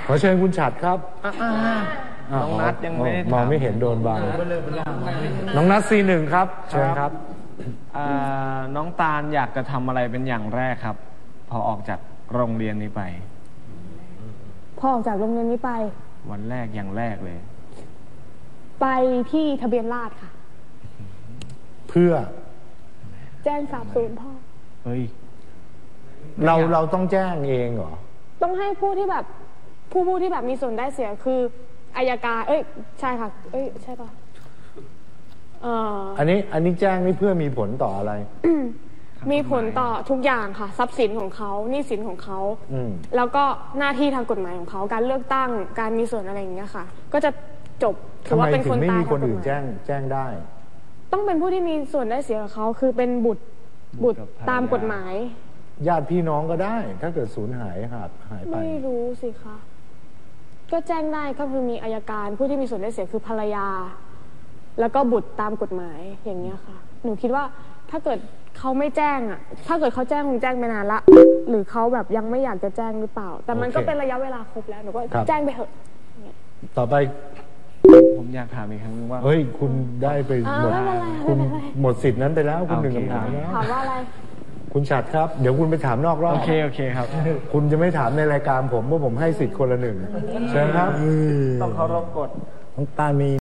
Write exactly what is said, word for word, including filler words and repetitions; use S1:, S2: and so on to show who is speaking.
S1: ขอเชิญคุณฉัตรครับ
S2: น้องนัทยังไม่ได้
S1: มองไม่เห็นโดนบังน้องนัทซีหนึ่งครับเชิญครับ
S2: น้องตาลอยากจะทำอะไรเป็นอย่างแรกครับพอออกจากโรงเรียนนี้ไป
S3: พอออกจากโรงเรียนนี้ไป
S2: วันแรกอย่างแรกเลย
S3: ไปที่ทะเบียนราษฎร์ค่ะ
S1: เพื่อ
S3: แจ้งสาบสูญพ่อ
S2: เฮ้ย
S1: เราเราต้องแจ้งเองเหรอ
S3: ต้องให้ผู้ที่แบบผู้ผู้ที่แบบมีส่วนได้เสียคืออัยการเอ้ยใช่ค่ะเอ้ยใช่ป่ะเอ่อ
S1: อันนี้อันนี้แจ้งนี่เพื่อมีผลต่ออะไร
S3: มีผลต่อทุกอย่างค่ะทรัพย์สินของเขาหนี้สินของเขาแล้วก็หน้าที่ทางกฎหมายของเขาการเลือกตั้งการมีส่วนอะไรอย่างเงี้ยค่ะก็จะจบถือว่าเป็นคนตาย
S1: ทำไมถึงไม่มีคนอื่นแจ้งแจ้งได้
S3: ต้องเป็นผู้ที่มีส่วนได้เสียกับเขาคือเป็นบุตรบุตรตามกฎหมาย
S1: ญาติพี่น้องก็ได้ถ้าเกิดสูญหายหายหายไป
S3: ไม่รู้สิคะก็แจ้งได้ก็คือมีอัยการผู้ที่มีส่วนได้เสียคือภรรยาแล้วก็บุตรตามกฎหมายอย่างเงี้ยค่ะหนูคิดว่าถ้าเกิดเขาไม่แจ้งอ่ะถ้าเกิดเขาแจ้งคงแจ้งไปนานละหรือเขาแบบยังไม่อยากจะแจ้งหรือเปล่าแต่มันก็เป็นระยะเวลาครบแล้วหนูก็แจ้งไปเถอะ
S1: ต่อไป
S2: ผมอยากถามอีกครั้งนึงว่า
S1: เฮ้ยคุณได้ไปหมดคุณหมดสิทธิ์นั้นไปแล้วคุณหนึ่งคำถามแล้ว
S3: ถามว่าอะไร
S1: คุณฉัตรครับเดี๋ยวคุณไปถามนอกรอบ
S2: โอเคโอเคครับ
S1: คุณจะไม่ถามในรายการผมเพราะผมให้สิทธิ์คนละหนึ่งเชิญครับ
S2: ต้องเคารพกฎ
S1: น้องตาลมี